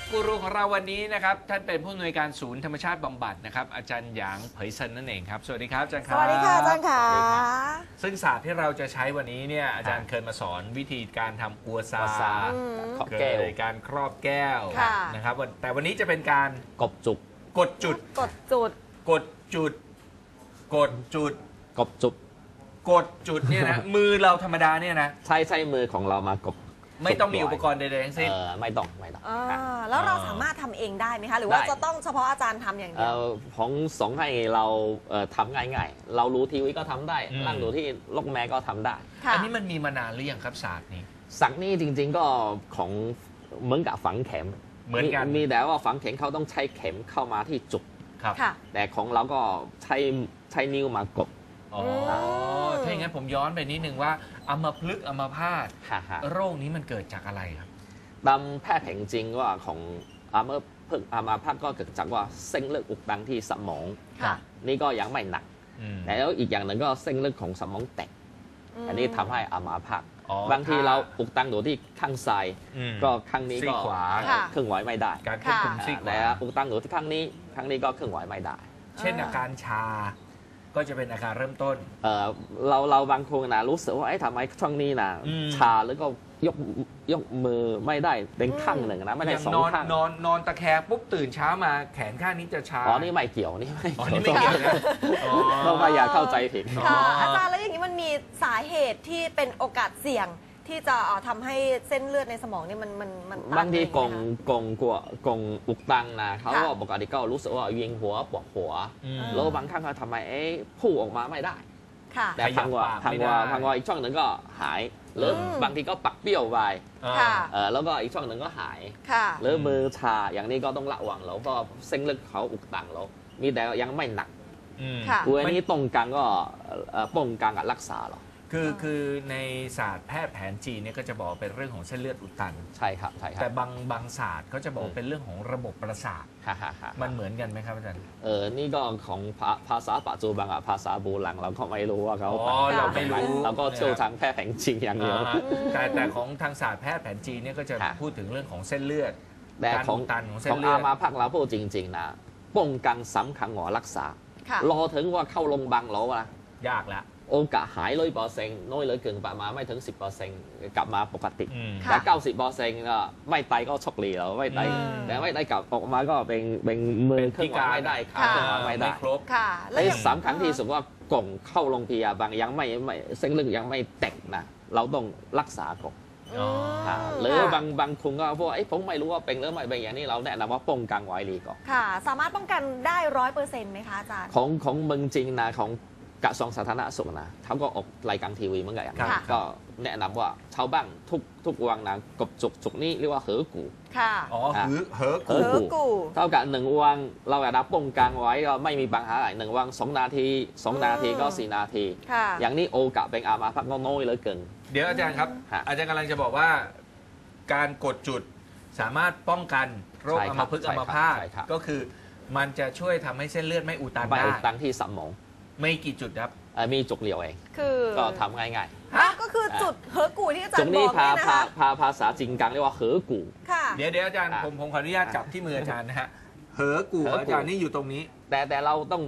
กูรูของเราวันนี้นะครับท่านเป็นผู้อำนวยการศูนย์ธรรมชาติบำบัดนะครับอาจารย์หยางเผยเซินนั่นเองครับสวัสดีครับอาจารย์ครับสวัสดีค่ะอาจารย์ค่ะซึ่งศาสตร์ที่เราจะใช้วันนี้เนี่ยอาจารย์เคยมาสอนวิธีการทำอัวซาครอบแก้วการครอบแก้วนะครับแต่วันนี้จะเป็นการกบจุกกดจุดกดจุดกดจุดกดจุดกบจุกกดจุดเนี่ยนะมือเราธรรมดาเนี่ยนะใช้มือของเรามากบไม่ต้องมีอุปกรณ์ใดๆทั้งสิ้นไม่ต้องแล้วเราสามารถทำเองได้ไหมคะหรือว่าจะต้องเฉพาะอาจารย์ทำอย่างเดียวของสองให้เราทำง่ายๆเรารู้ทีวีก็ทำได้ร่างดูที่ลกแม่ก็ทำได้อันนี้มันมีมานานหรือยังครับศาสตร์นี้ศักดิ์นี่จริงๆก็ของเหมือนกับฝังเข็มเหมือนกันมีแต่ว่าฝังเข็มเขาต้องใช้เข็มเข้ามาที่จุกแต่ของเราก็ใช้นิ้วมากบถ้าอย่างนั้นผมย้อนไปนิดนึงว่าอัมพฤกษ์อัมพาตโรคนี้มันเกิดจากอะไรครับตามแพทย์แผนจริงว่าของอัมพฤกษ์อัมพาตก็เกิดจากว่าเส้นเลือดอุดตันที่สมองนี่ก็ยังไม่หนักแล้วอีกอย่างหนึ่งก็เส้นเลือดของสมองแตกอันนี้ทำให้อัมพาตบางทีเราอุดตันอยู่ที่ข้างซ้ายก็ข้างนี้ก็เคลื่อนไหวไม่ได้การควบคุมซีกขวาแต่อุดตันอยู่ที่ข้างนี้ก็เคลื่อนไหวไม่ได้เช่นอาการชาก็จะเป็นอาการเริ่มต้นเราบางคนนะรู้สึกว่าทำไมช่วงนี้นะชาแล้วก็ยกมือไม่ได้เป็นข้างหนึ่งนะไม่ได้สองข้างนอนตะแคงปุ๊บตื่นเช้ามาแขนข้างนี้จะชานี่ไม่เกี่ยวนี่ไม่เกี่ยวนะเราไม่อยากเข้าใจผิดอาจารย์แล้วอย่างนี้มันมีสาเหตุที่เป็นโอกาสเสี่ยงที่จะทำให้เส้นเลือดในสมองนี่มันบางทีกงอุกตังนะเขาก็ปกติก็รู้สึกว่าเวียนหัวปวดหัวแล้วบางครั้งก็ทำไมพูดออกมาไม่ได้แต่พังว่าอีกช่องหนึ่งก็หายหรือบางทีก็ปักเปี้ยวไปแล้วก็อีกช่องหนึ่งก็หายหรือมือชาอย่างนี้ก็ต้องระวังแล้วก็เส้นเลือดเขาอุกตังแล้วมีแต่ยังไม่หนักตัวนี้ตรงกลางก็ป้องกันกับรักษาหรอคือในศาสตร์แพทย์แผนจีนเนี่ยก็จะบอกเป็นเรื่องของเส้นเลือดอุดตันใช่ครับแต่บางศาสตร์เขาจะบอกเป็นเรื่องของระบบประสาทมันเหมือนกันไหมครับอาจารย์นี่ก็ของภาษาปัจจุบันกับภาษาโบราณเราก็ไม่รู้ว่าเขาเราไม่รู้เราก็เชี่ยวทางแพทย์แผนจีนอย่างเดียวแต่ของทางศาสตร์แพทย์แผนจีนเนี่ยก็จะพูดถึงเรื่องของเส้นเลือดการอุดตันของเส้นเลือดของอามาพักเราพูดจริงๆนะป้องกันสำคัญกว่ารักษารอถึงว่าเข้าโรงพยาบาลแล้วอะยากแล้วโอกาสหาย100%น้อยเหลือเกินประมาณไม่ถึง 10% กลับมาปกติแต่ 90% ก็ไม่ไตก็ช็อกลีแล้วไม่ไตแต่ไม่ไตกลับออกมาก็เป็นมือเคลื่อนไหวไม่ได้ขาเคลื่อนไหวไม่ได้และสำคัญที่สุดว่ากล่องเข้าโรงพยาบาลยังไม่เส้นเลือดยังไม่แตกนะเราต้องรักษาก่อนหรือบางคนก็พวกผมไม่รู้ว่าเป็นหรือไม่เป็นอย่างนี้เราแนะนำว่าป้องกันไว้ดีก่อนค่ะสามารถป้องกันได้ 100% ไหมคะอาจารย์ของเมืองจริงนะของกระทรวงสาธารณสุขนะเขาก็ออกรายการทีวีเหมือนกันก็แนะนำว่าชาวบ้านทุกวันนะกบจุกนี้เรียกว่าเหอกูค่ะเหอกูเท่ากับ1 วันเราอยากป้องกันไว้ก็ไม่มีปัญหาอะไร1 วัน2 นาที2 นาทีก็4 นาทีอย่างนี้โอกาสเป็นอามาพักน้อยเลยเกินเดี๋ยวอาจารย์ครับอาจารย์กำลังจะบอกว่าการกดจุดสามารถป้องกันโรคอัมพฤกษ์อัมพาตก็คือมันจะช่วยทำให้เส้นเลือดไม่อุดตันได้ไม่อุดตันที่สมองไม่กี่จุดครับมีจุกเดียวเองก็ทำง่ายๆก็คือจุดเหอกูที่อาจารย์บอกนี่นะคะภาษาจีนกลางเรียกว่าเหอกูเดี๋ยวอาจารย์ผมขออนุญาตจับที่มืออาจารย์นะฮะเหอกูอาจารย์นี่อยู่ตรงนี้แต่เราต้อง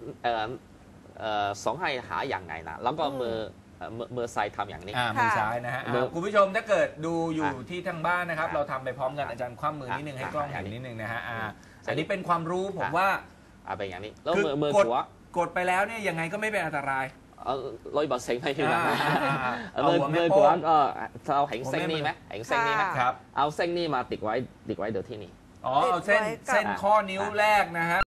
สองให้หาอย่างไงนะแล้วก็มือซ้ายทำอย่างนี้มือซ้ายนะฮะคุณผู้ชมถ้าเกิดดูอยู่ที่ทางบ้านนะครับเราทำไปพร้อมกันอาจารย์คว่ำมือนิดนึงให้กล้องเห็นนิดนึงนะฮะอันนี้เป็นความรู้ผมว่าเป็นอย่างนี้แล้วมือขวากดไปแล้วเนี่ยยังไงก็ไม่เป็นอันตราย 100%ให้ที่นั่นมือขวาก็เอาเห็นเส้นนี้ไหมเห็นเส้นนี้ไหมเอาเส้นนี้มาติดไว้เดี๋ยวที่นี่เอาเส้นข้อนิ้วแรกนะฮะ